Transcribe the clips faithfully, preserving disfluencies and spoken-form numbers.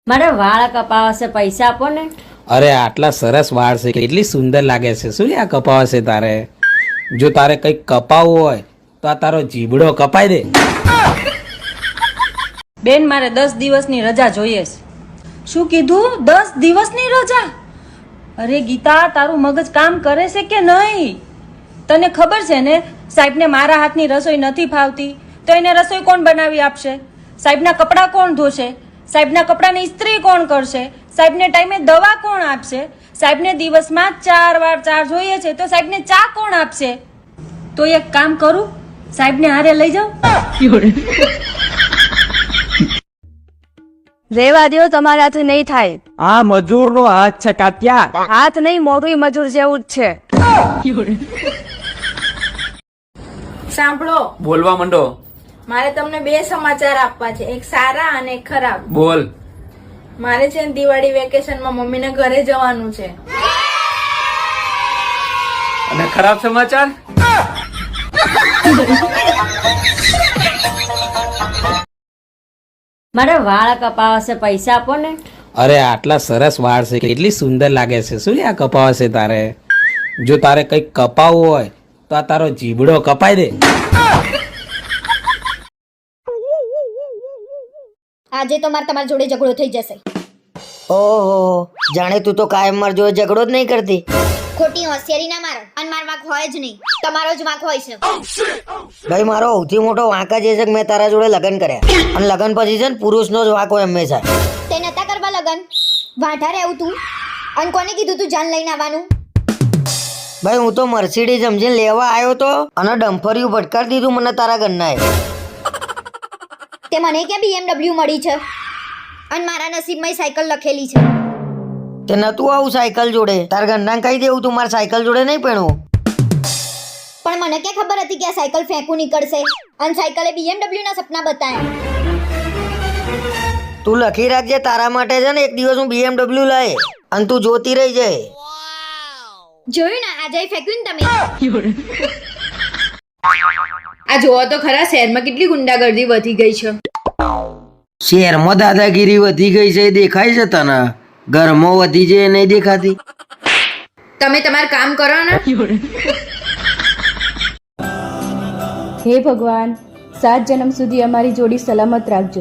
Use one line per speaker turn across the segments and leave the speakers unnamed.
મારે વાળ કપાવશે, પૈસા આપો ને.
અરે આટલા સરસ વાળ છે, કેટલી સુંદર લાગે છે. શું લે આ કપાવશે તારે? જો તારે કંઈક કપાવવું હોય તો આ તારો જીબડો કપાઈ દે.
બેન, મારે દસ દિવસની રજા જોઈએ છે. શું કીધું? દસ દિવસની રજા? અરે ગીતા, તારું મગજ કામ કરે છે કે નહીં? તને ખબર છે ને, સાહેબને મારા હાથની રસોઈ નથી ફાવતી, તો એને રસોઈ કોણ બનાવી આપશે? સાહેબના કપડાં કોણ ધોશે? સાહેબના કપડાની ઇસ્ત્રી કોણ કરશે? સાહેબને ટાઈમે દવા કોણ આપશે? સાહેબને દિવસમાં ચાર વાર ચા જોઈએ છે, તો સાહેબને ચા કોણ આપશે? તો એક કામ કરું, સાહેબને હારે લઈ જાઉં.
રેવા દો, તમારા હાથ નહીં થાય.
આ મજૂર નો હાથ છે કાત્યા.
હાથ નહીં, મોટું મજૂર જેવું જ છે.
સાંભળો,
બોલવા માંડો.
મારે તમને બે સમાચાર આપવા છે, એક સારા અને એક ખરાબ.
બોલ.
મારે છે ને દિવાળી વેકેશનમાં મમ્મીને ઘરે જવાનું છે.
અને ખરાબ સમાચાર?
મારે વાળ કપાવશે, પૈસા આપો ને.
અરે આટલા સરસ વાળ છે, કેટલી સુંદર લાગે છે. શું લે આ કપાવશે તારે? જો તારે કંઈક કપાવવું હોય તો આ તારો જીબડો કપાઈ દે.
આજે તો મારે તમારી જોડે ઝઘડો થઈ જશે.
ઓહો, જાણે તું તો કાયમ માર જોડે ઝઘડો જ નહીં કરતી.
ખોટી હોશિયારી ના મારો, અને માર વાંક હોય જ નહીં, તમારો જ વાંક હોય છે.
ભાઈ, મારો સૌથી મોટો વાંક જ એ છે કે મેં તારા જોડે લગ્ન કર્યા, અને લગ્ન પછી છે ને પુરુષનો જ વાંક હોય હંમેશા.
તે નતા કરવા લગન, વાંઢા રહેવું તું. અને કોને કીધું તું જાન લઈને આવવાનું?
ભાઈ, હું તો મર્સિડીઝ સમજીને લેવા આવ્યો તો, અને ડમ્ફરિયું ભટકાડી દીધું મને તારા ઘરનાએ.
તે મને ક્યાં બીએમડબલ્યુ મળી છે, અને મારા નસીબમાં સાયકલ લખેલી છે.
તે નતું આવું સાયકલ જોડે, તારા ઘરના કહી દેવું તું મારા સાયકલ જોડે નહીં પહેણવું.
પણ મને ક્યાં ખબર હતી કે આ સાયકલ ફેંકું નીકળશે, અને સાયકલે બીએમડબલ્યુ ના સપના બતાવ્યા.
તું લખી રાખજે, તારા માટે છે ને એક દિવસ હું બીએમડબલ્યુ લાય, અને તું જોતી રહી જાય.
જોયું ને, આજે ફેંક્યું ને તમે.
આ જોવો તો ખરા, શહેરમાં કેટલી ગુંડાગર્દી વધી ગઈ છે.
શહેરમાં દાદાગીરી વધી ગઈ છે, એ દેખાય છે તને? ઘરમાં વધી છે, નહીં દેખાતી?
તમે તમારું કામ કરો ને.
હે ભગવાન, સાત જન્મ સુધી અમારી જોડી સલામત રાખજો.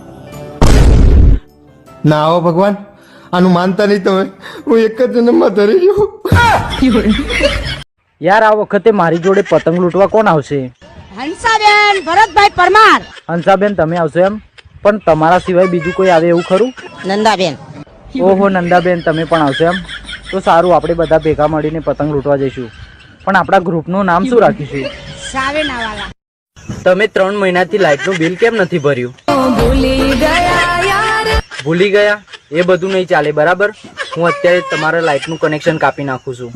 ના આવો ભગવાન, આનું માનતા નહીં તમે. હું એક જ જન્મમાં ધરી ગયો. યાર, આ વખતે મારી જોડે પતંગ લૂંટવા કોણ આવશે?
હંસાબેન ભરતભાઈ પરમાર.
હંસાબેન, તમે આવશો એમ? પણ તમારા સિવાય બીજું કોઈ આવે એવું ખરું?
નંદાબેન.
ઓહો, નંદાબેન, તમે પણ આવશો એમ? તો સારું, આપણે બધા ભેગા મળીને પતંગ લૂંટવા જઈશું. પણ આપણા ગ્રુપનું નામ શું રાખીશું?
સાવેનાવાલા.
તમે ત્રણ મહિનાથી લાઇટનું બિલ કેમ નથી ભર્યું? ભૂલી ગયા? એ બધું નહીં ચાલે, બરાબર? હું અત્યારે તમારા લાઇટનું કનેક્શન કાપી નાખું છું.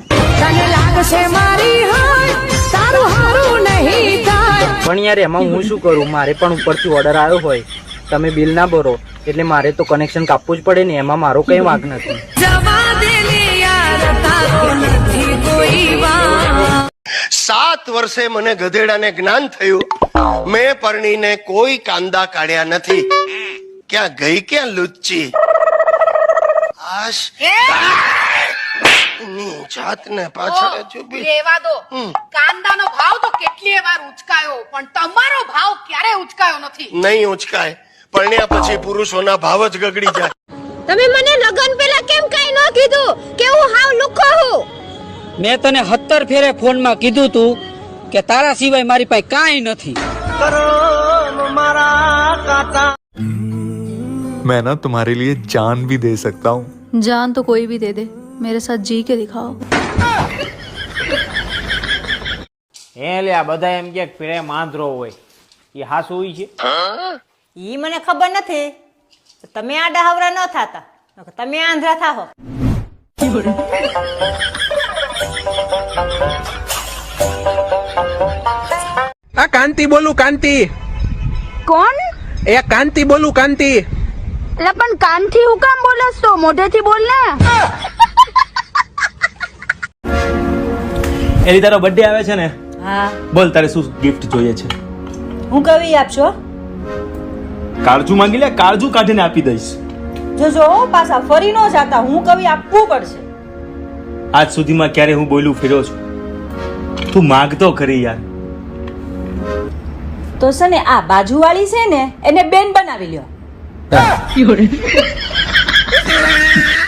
પણ યાર, એમાં હું શું કરું? મારે પણ ઉપરથી ઓર્ડર આવ્યો હોય, તમે બિલ ના ભરો એટલે મારે તો કનેક્શન કાપવું જ પડે ને. એમાં મારો કઈ વાંક નથી.
સાત વર્ષે મને ગધેડાને જ્ઞાન થયું. મેં પરણીને કોઈ કાંદા કાઢ્યા નથી. ક્યાં ગઈ ક્યાં લુચ્ચી? આશ ની જાતને પાછળ ચૂપી
રેવા દો. કાંદાનો ભાવ તો કેટલીય વાર ઉચકાયો, પણ તમારો ભાવ ક્યારે ઉચકાયો નથી.
નહીં ઉચકાય. પરણ્યા પછી પુરુષોના ભાવ જ ગગડી જાય.
તમે મને લગન પેલા કેમ કઈ ન કીધું કે હું હાવ લુખો હું?
મેં તને સત્તર ફેરે ફોનમાં કીધું તું કે તારા સિવાય મારી પાસે કાંઈ નથી.
मैं ना तुम्हारे लिए जान भी दे सकता हूँ.
जान तो कोई भी दे दे, मेरे साथ जी के दिखाओ.
હે લે, આ બધા એમ કે પ્રેમ આંધળો હોય, એ હાસુ હોય છે?
ઈ મને ખબર નથી. તમે આડા હવરા ન થાતા, તમે આંધળા થાહો.
આ કાંતિ બોલું, કાંતિ.
કોણ?
એ કાંતિ બોલું, કાંતિ.
એટલે પણ કાનથી હું કામ બોલસ તો? મોઢેથી બોલ ને.
એની તારો બર્થડે આવે છે ને?
હા.
બોલ, તારે શું ગિફ્ટ જોઈએ છે?
હું કવી આપશો?
કાળજુ માંગી લે, કાળજુ કાઢીને આપી દઈશ.
જોજો હો, પાછા ફરી ન જાતા, હું કવિ આપવું પડશે.
આજ સુધીમાં ક્યારે હું બોલ્યું ફેર્યો છું? તું માગતો ખરી યાર.
તો છે ને આ બાજુવાળી છે ને એને બેન બનાવી લ્યો.